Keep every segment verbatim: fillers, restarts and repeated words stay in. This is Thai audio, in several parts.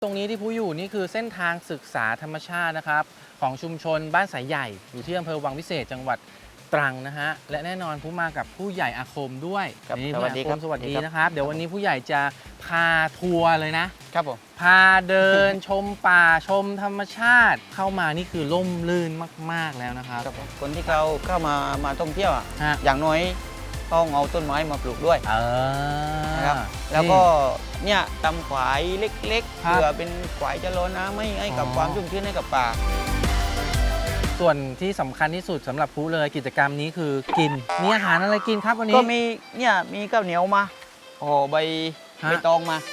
ตรงนี้ที่ผู้อยู่นี่คือเส้นทางศึกษาธรรมชาตินะครับของชุมชนบ้านสายใหญ่อยู่ที่อำเภอวังวิเศษจังหวัดตรังนะฮะและแน่นอนผู้มากับผู้ใหญ่อาคมด้วยนี่สวัสดีครับสวัสดีนะครับเดี๋ยววันนี้ผู้ใหญ่จะพาทัวร์เลยนะครับผมพาเดิน ชมป่าชมธรรมชาติเข้ามานี่คือร่มรื่นมากๆแล้วนะครับครับผมคนที่เขาเข้ามามาท่องเที่ยวอ่ะฮะอย่างน้อยต้องเอาต้นไม้มาปลูกด้วยเออนะครับแล้วก็เนี่ยทำฝายเล็กๆครับเพื่อเป็นฝายชะลอน้ำให้ให้กับอ๋อความชุ่มชื้นให้กับป่าส่วนที่สำคัญที่สุดสำหรับผู้เลยกิจกรรมนี้คือกินมีอาหารอะไรกินครับวันนี้ก็มีเนี่ยมีข้าวเหนียวมาห่อใบฮะใบตองมา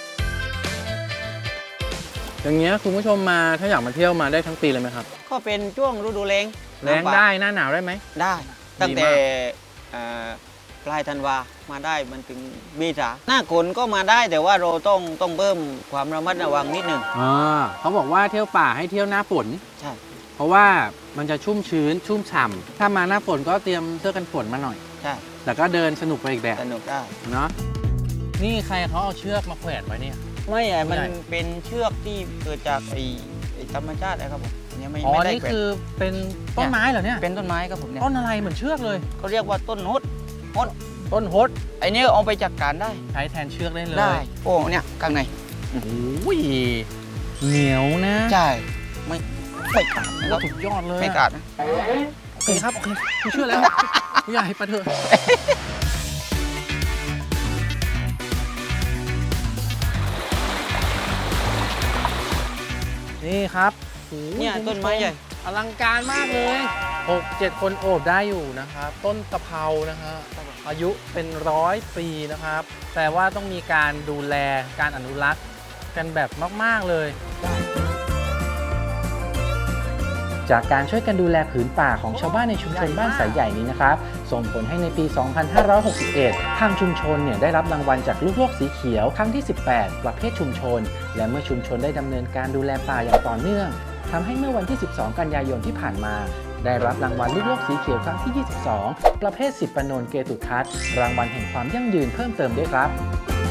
อย่างเงี้ยคุณผู้ชมมาถ้าอยากมาเที่ยวมาได้ทั้งปีเลยไหมครับก็เป็นช่วงฤดูแล้งแรงได้หน้าหนาวได้ไหมได้ตั้งแต่ดีมากเอ่อปลายธันวามาได้มันถึงเมษาหน้าฝนก็มาได้แต่ว่าเราต้องต้องเพิ่มความระมัดระวังนิดหนึ่งอ่าเขาบอกว่าเที่ยวป่าให้เที่ยวหน้าฝนใช่เพราะว่ามันจะชุ่มชื้นชุ่มฉ่ำถ้ามาหน้าฝนก็เตรียมเสื้อกันฝนมาหน่อยใช่แต่ก็เดินสนุกไปอีกแบบสนุกได้เนาะนี่ใครเขาเอาเชือกมาแขวนไว้เนี่ยไม่ไอ้มันไม่ได้เป็นเชือกที่เกิดจากไอ้ไอ้ธรรมชาตินะครับผมเนี่ยไม่อ๋อไม่ได้นี่แขวนคือเป็นต้นไม้เหรอเนี่ยเป็นต้นไม้ครับผมเนี่ยต้นอะไรเหมือนเชือกเลยเขาเรียกว่าต้นฮดต้นฮดไอ้นี่เอาไปจัดการได้ใช้แทนเชือกได้เลยได้โอ้เนี่ยข้างในโอ้ยเหนียวนะใช่ไม่ไม่ขาดนะครับสุดยอดเลยไม่ขาดนะโอเคครับโอเคคุณเชื่อแล้วผู้ใหญ่ไปเถอะนี่ครับโอ้โหเนี่ยคุณผู้ชต้นไม้ใหญ่อลังการมากเลยหกเจ็ดคนโอบได้อยู่นะครับต้นตะเภานะฮะอายุเป็นร้อยปีนะครับแต่ว่าต้องมีการดูแลการอนุรักษ์กันแบบมากๆเลย จากการช่วยกันดูแลผืนป่าของชาวบ้านในชุมชนบ้านสายใหญ่นี้นะครับส่งผลให้ในปี สองพันห้าร้อยหกสิบเอ็ด ทางชุมชนเนี่ยได้รับรางวัลจากลูกโลกสีเขียวครั้งที่ สิบแปด ประเภทชุมชน และเมื่อชุมชนได้ดำเนินการดูแลป่าอย่างต่อเนื่องทำให้เมื่อวันที่ สิบสอง กันยายนที่ผ่านมา ได้รับรางวัลลูกโลกสีเขียวครั้งที่ ยี่สิบสอง ประเภทสิบปนนเกตุทัศน์รางวัลแห่งความยั่งยืนเพิ่มเติมด้วยครับ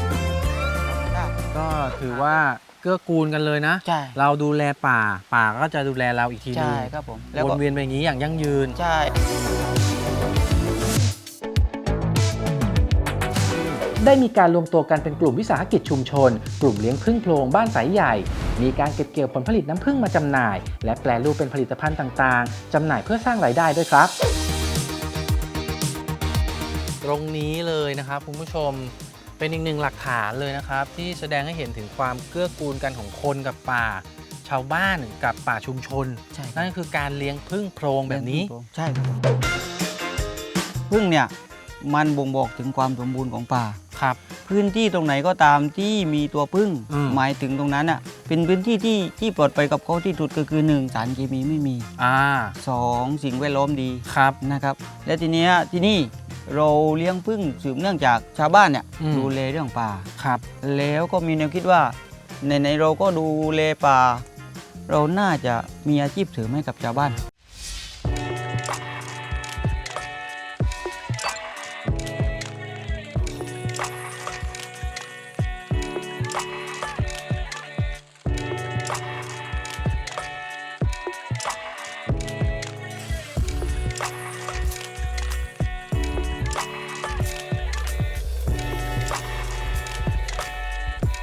ก็ถือว่าเกื้อกูลกันเลยนะใช่เราดูแลป่าป่าก็จะดูแลเราอีกทีนึใช่งครับผมวนเวียนไปอย่างนี้อย่างยั่งยืนใช่ได้มีการรวมตัวกันเป็นกลุ่มวิสาหกิจชุมชน กลุ่มเลี้ยงผึ้งโพรงบ้านสายใหญ่ มีการเก็บเกี่ยวผลผลิตน้ำผึ้งมาจำหน่าย และแปรรูปเป็นผลิตภัณฑ์ต่างๆจำหน่ายเพื่อสร้างรายได้ด้วยครับ ตรงนี้เลยนะครับคุณผู้ชมเป็นอีกหนึ่งหลักฐานเลยนะครับที่แสดงให้เห็นถึงความเกื้อกูลกันของคนกับป่า ชาวบ้านกับป่าชุมชนใช่นั่นคือการเลี้ยงผึ้งโพรงแบบนี้ใช่ครับผมพึ่งเนี่ยมันบ่งบอกถึงความสมบูรณ์ของป่าครับพื้นที่ตรงไหนก็ตามที่มีตัวพึ่งอืมหมายถึงตรงนั้นอ่ะเป็นพื้นที่ที่ที่ปลอดภัยกับเขาที่สุดก็คือหนึ่งสารเคมีไม่มีอ่าสองสิ่งแวดล้อมดีครับนะครับ และทีเนี้ยที่นี่เราเลี้ยงพึ่งสืบเนื่องจากชาวบ้านเนี่ยอืมดูแลเรื่องป่าครับแล้วก็มีแนวคิดว่าในในๆเราก็ดูแลป่า เราน่าจะมีอาชีพเสริมให้กับชาวบ้าน